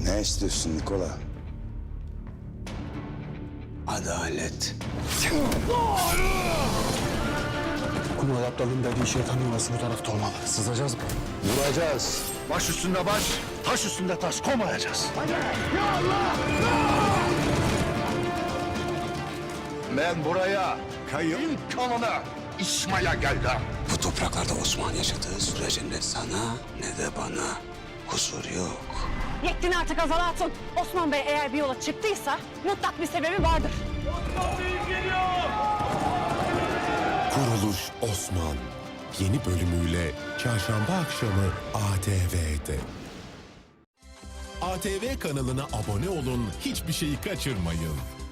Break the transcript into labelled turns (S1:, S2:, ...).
S1: Ne istiyorsun Nikola? Adalet.
S2: Kumal Aptal'ın dediği şeytan yuvası bu tarafta olmalı. Sızacağız mı?
S1: Vuracağız.
S2: Baş üstünde baş, taş üstünde taş komayacağız.
S3: Ben buraya kayın kanına İsmail'e geldim.
S1: Bu topraklarda Osman yaşadığı sürece ne sana ne de bana huzur yok.
S4: Yettin artık Azal Hatun. Osman Bey eğer bir yola çıktıysa mutlak bir sebebi vardır.
S5: Kuruluş Osman yeni bölümüyle çarşamba akşamı ATV'de. ATV kanalına abone olun, hiçbir şeyi kaçırmayın.